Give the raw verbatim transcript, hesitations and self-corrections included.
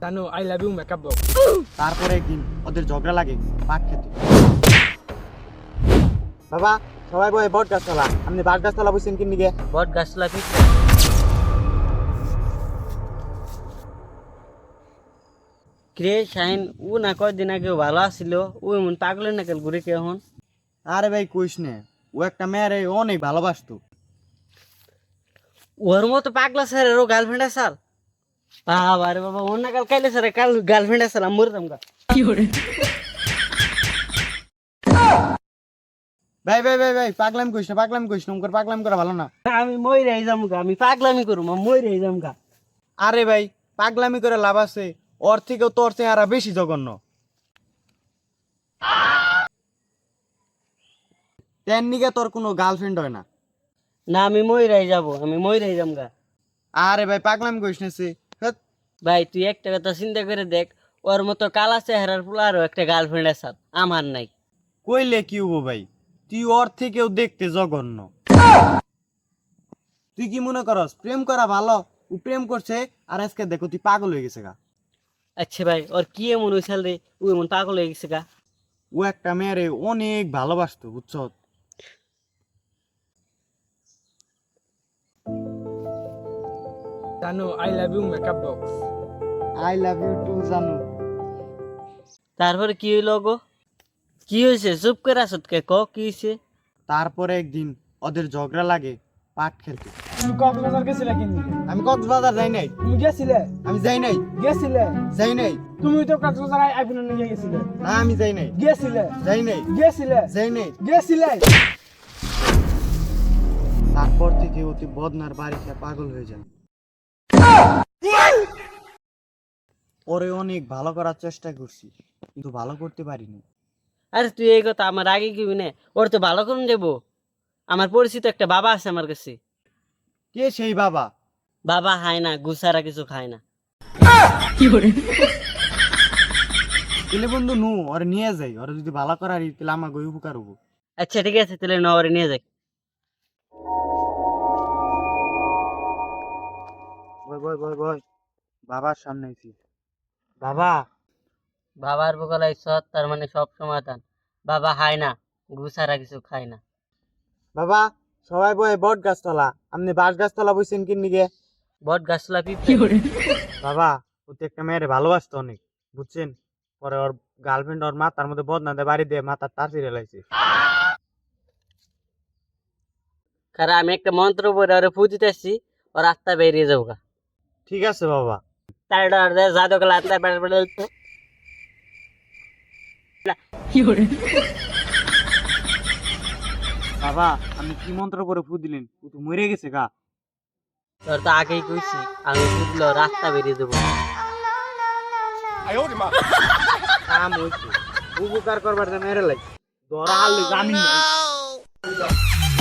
জানো I love you makeup box. তারপরে একদিন ওদের ঝগড়া লাগে পাট খেতে। বাবা সবাই বয় বট গাছতলা, আপনি বাট গাছতলা বুঝছেন কি নিগে? বট গাছলা ঠিক রে শাহিন ও না কয়দিন আগে ভালো আসছিল, ও এমন পাগলের নাকেল ঘুরে কে এখন? আরে ভাই কইস নে, ও একটা মেয়েরে অনেক ভালোবাসতো। ওর মতো পাগলা স্যার এরও গার্লফ্রেন্ড আছে স্যার? বাবা রে বাবা, ওর না কাল কাইলে স্যার কাল গার্লফ্রেন্ড আছে আমি মরে যামগা। ভাই ভাই ভাই ভাই পাগলাম কইস না, পাগলাম কইস না, ওর পাগলাম করা ভালো না। আমি মরে যামগা, আমি পাগলামি করুম, আমি মরে যামগা। আরে ভাই পাগলামি করে লাভ আছে, ওর থেকেও তোর চেহারা বেশি জঘন্য। তেন নিগে তোর কোনো গার্লফ্রেন্ড হয় না। না আমি মরে যাব, আমি মরে যামগা। আরে ভাই পাগলামি কইস না সে। হ্যাট, ভাই তুই একটা কথা চিন্তা করে দেখ, ওর মতো কালা চেহারার পোলারও একটা গার্লফ্রেন্ড আছে, আমার নাই। কইলে কি হবো ভাই, তুই ওর থেকেও দেখতে জঘন্য। তুই কি মনে করস প্রেম করা ভালো? ও প্রেম করছে আর আজকে দেখো তুই পাগল হয়ে গেছে গা। আচ্ছা ভাই ওর কি এমন হয়েছিল রে, ও এমন পাগল হয়ে গেছে গা? ও একটা মেয়েরে অনেক ভালোবাসতো বুঝছ। জানো I love you makeup box. I love you too জানু। তারপরে কি হইল গো? কি হয়েছে? চুপ করে আসত কে, ক কি হয়েছে? তারপরে একদিন ওদের ঝগড়া লাগে পাট খেলতে। তুমি কক্সবাজার গেছিলে কিন? আমি কক্সবাজার যাই নাই। তুমি গেছিলে? আমি যাই নাই। গেছিলে? যাই নাই। তুমি তো কক্সবাজার আইফোন নিয়ে গেছিলে। না আমি যাই নাই। গেছিলে? যাই নাই। গেছিলে? যাই নাই। গেছিলে? তারপর থেকে অতি বদনার বাড়িতে পাগল হয়ে যায়। পরে অনেক ভালো করার চেষ্টা করছি কিন্তু ভালো করতে পারিনি। আরে তুই এই কথা আমার আগে কি না, ওর তো ভালো করুন দেবো। আমার পরিচিত একটা বাবা আছে আমার কাছে। কে সেই বাবা? বাবা খায় না, গুসারা কিছু খায় না। এলে বন্ধু নু ওরে নিয়ে যাই, ওরে যদি ভালো করার তাহলে আমার গই উপকার হবো। আচ্ছা ঠিক আছে, তাহলে নগরে নিয়ে যাই। বয় বয় বয় বয় বাবার সামনে আইছি। বাবা বাবার বগলাই সৎ, তার মানে সব সমাধান। বাবা খায় না, গুসারা কিছু খায় না। বাবা সবাই বয় বট গাছতলা, আপনি বাঁশ গাছতলা বইছেন কি নিগে? বট গাছলা পিঁপড়ে। বাবা ওতে একটা মেয়েরে ভালোবাসতো অনেক বুঝছেন, পরে ওর গার্লফ্রেন্ড ওর মাথার মধ্যে বদনা দেয়, বাড়ি দিয়ে মাথার তার ছিঁড়ে লাইছে। কারণ আমি একটা মন্ত্র পড়ে ওরে ফু দিতেছি, ওর আত্মা বেরিয়ে যাবো গা। ঠিক আছে বাবা। তার ডর দেয় জাদু গেলে আত্মা বেরিয়ে তো। বাবা আপনি কি মন্ত্র করে ফু দিলেন? ও তো মরে গেছে গা। তোর তো আগেই কইছি, আমি ফুটলো রাস্তা বেরিয়ে দেবো। কাম হইছে, উপকার করবার জন্য মেরে লাগছে। ধরা হারলে জামিন নাই।